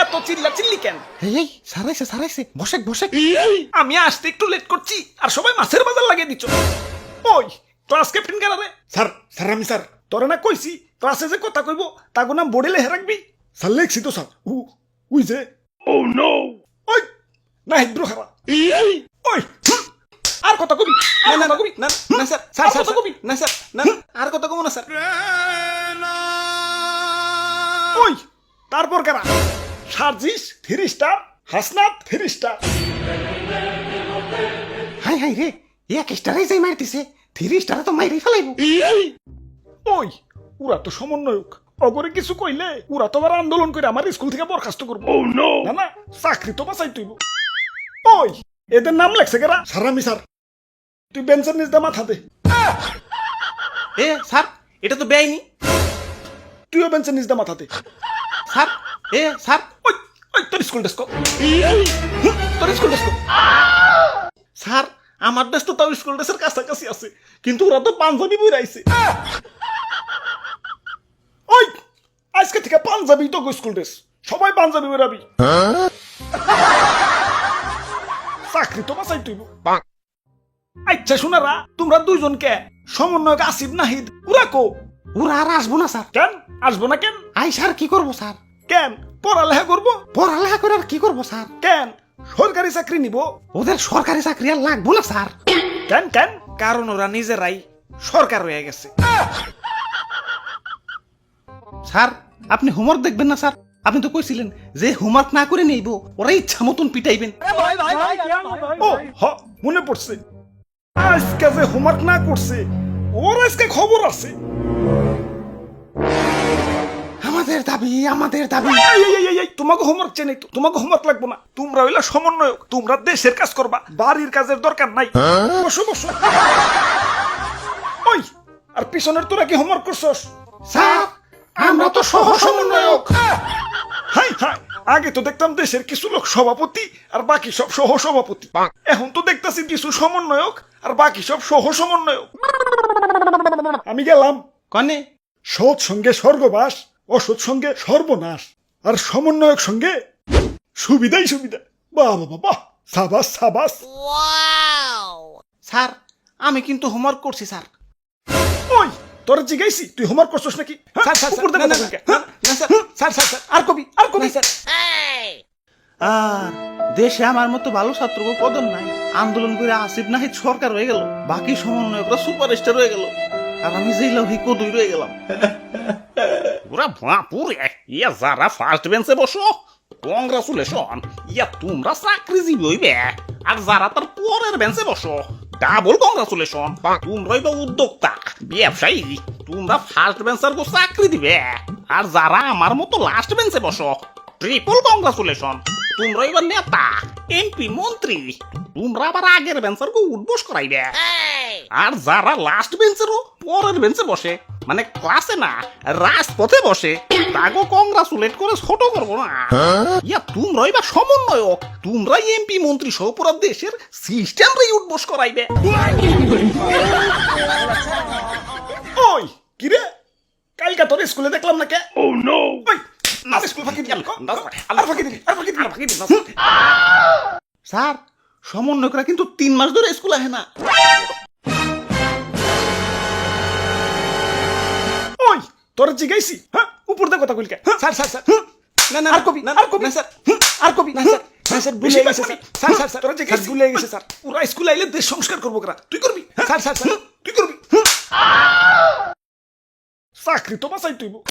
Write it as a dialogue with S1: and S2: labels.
S1: এত চিল্লা চিল্লি কেন?
S2: এই সারাইছে বসে
S1: আমি আসতে একটু লেট করছি আর সবাই মাছের বাজার লাগিয়ে দিচ্ছ। ওই ক্লাস ক্যাপ্টেন কেন রে?
S3: স্যার আমি স্যার
S1: তোরে না কইছি ক্লাসে যে কথা কইব তাগো নাম বোর্ডে লেখে রাখবি।
S3: স্যার লেখছি তো স্যার উই যে
S1: ওই না হিদ্র খারা ওই আর কথা কবি
S2: না কবি না স্যার
S1: আর কথা কবি
S2: না স্যার না আর কথা কব না স্যার।
S1: ওই তারপর কেনা সার্জিস 3 স্টার, হাসনাত 3 স্টার।
S2: হাই রে এক স্টারই যাই মারতিছে 3 স্টারে তো মাইরেই ফেলাইবো।
S1: ওই ওরা তো সমন্বয়ক, অগরে কিছু কইলে ওরা তো আবার আন্দোলন করে আমার স্কুল থেকে বরখাস্ত করবো। না না চাকরি তো বাঁচাই তুইব। ওই এদের নাম লেখছে কেরা?
S3: স্যার আমি স্যার
S1: তুই বেঞ্চের নিচ দা মাথা দে।
S2: এ স্যার এটা তো বেআইনি।
S1: তুইও বেঞ্চের নিচ দা মাথা দে।
S2: স্যার স্যার
S1: ওই ওই তোর স্কুল ডেস্ক তোর স্কুল ডেস্ক।
S2: স্যার
S1: আমার দেশ তো তাও স্কুল ড্রেসের কাছাকাছি আছে, কিন্তু ওরা তো পাঞ্জাবি বইরাইছে। ওই আজকে থেকে পাঞ্জাবি তো স্কুল ড্রেস, সবাই পাঞ্জাবি বেরাবি। চাকরি তো বাঁচাই তুইব। আচ্ছা শোনারা, তোমরা দুইজনকে সমন্বয়ক আসিফ নাহিদ ওরা কো?
S2: ওরা আর আসবো না স্যার।
S1: কেন আসবো না? কেন
S2: আই স্যার কি করবো স্যার?
S1: কেন পড়ালেখা করবো?
S2: পড়ালেখা করে আর কি করবো স্যার?
S1: কেন সরকারি চাকরি নিব?
S2: ওদের সরকারি চাকরি আর লাগবো না স্যার।
S1: কেন কেন?
S2: কারণ ওরা নিজেরাই সরকার হয়ে গেছে। স্যার আপনি হোমওয়ার্ক দেখবেন না স্যার? আপনি তো কইছিলেন যে হোমওয়ার্ক না করে নেইব, ওরা ইচ্ছা মতন পিটাইবেন।
S1: ও হ মনে পড়ছে, আজকে যে হোমওয়ার্ক না করছে ওর আজকে খবর আছে।
S2: আমাদের দাবি
S1: তোমাকে হোমওয়ার্ক চেয়ে নেই তো, তোমাকে হোমওয়ার্ক লাগবো না। তোমরা হইলা সমন্বয়ক, তোমরা দেশের কাজ করবা, বাড়ির কাজের দরকার নাই। বসো বসো। ওই আর পিছনের তোরা কি হোমওয়ার্ক করছস?
S2: স্যার আমরা তো সহ সমন্বয়ক।
S1: হাই হাই, আগে তো দেখতাম দেশের কিছু লোক সভাপতি আর বাকি সব সহ সভাপতি, এখন তো দেখতাছি কিছু সমন্বয়ক আর বাকি সব সহ সমন্বয়ক। আমি গেলাম
S2: কনে
S1: সৎ সঙ্গে স্বর্গবাস, অসৎ সঙ্গে সর্বনাশ, আর সমন্বয়ক সঙ্গে সুবিধাই সুবিধা। বাহ বাবা বাহ, সাবাস সাবাস।
S2: স্যার আমি কিন্তু হোমওয়ার্ক করছি স্যার।
S1: ওই তোর জিগাইছি তুই হোমওয়ার্ক করছস নাকি?
S2: স্যার স্যার
S1: উপর থেকে
S2: না,
S1: দেখো কে?
S2: না, স্যার স্যার স্যার স্যার
S1: আর কবি আর কবি।
S2: স্যার আর দেশে আমার মতো ভালো ছাত্র পদন নাই, আন্দোলন করে আসিফ নাহিদ সরকার হয়ে গেল, বাকি সমন্বয়করা সুপারস্টার হয়ে গেল, আর আমি জেলা হই কদুই রয়ে গেলাম।
S4: ওরা বাপুরে, ইয়া যারা ফার্স্ট বেঞ্চে বসো কংগ্রাচুলেশন, ইয়া তোমরা চাকরিজীবী হইবে। আর যারা তার পরের বেঞ্চে বসো ডাবল কংগ্রাচুলেশন, তোমরাই তো উদ্যোক্তা ব্যবসায়ী, তোমরা ফার্স্ট বেঞ্চার গো চাকরি দিবে। আর যারা আমার মতো লাস্ট বেঞ্চে বসো ট্রিপল কংগ্রাচুলেশন, তোমরা এবার নেতা এমপি মন্ত্রী, তোমরা আবার আগের বেঞ্চার গো উঠবোস করাইবে। আর যারা লাস্ট বেঞ্চেরও পরের বেঞ্চে বসে, মানে ক্লাসে না রাজপথে বসে, তাগো কংগ্রাচুলেট করে ছোট করবো না। ইয়া তোমরাই বা সমন্বয়ক, তোমরাই এমপি মন্ত্রী সহ পুরো দেশের সিস্টেমটাই উঠবোস করাইবে।
S1: ওই কিরে, কালকা তোর স্কুলে দেখলাম না কে? ও নো, ওই না স্কুল ফাঁকি দিল, আর ফাঁকি দিল, আর ফাঁকি দিল।
S2: স্যার সমন্বয়করা কিন্তু 3 মাস ধরে স্কুল আহে না।
S1: ওই তোর জিগাইছি, হ্যাঁ উপর দিয়ে কথা কইলকে।
S2: স্যার স্যার স্যার না না
S1: আর কবি আর কবি
S2: স্যার
S1: আর কবি
S2: না স্যার না স্যার ভুলে গেছে স্যার। স্যার স্যার স্যার
S1: তোরা জিগাইছি
S2: ভুলে গেছে স্যার।
S1: ওরা স্কুলে আইলে দেশ সংস্কার করবো করা, তুই করবি?
S2: স্যার স্যার স্যার
S1: তুই করবি? চাকরি তো বাঁচাই তুইব।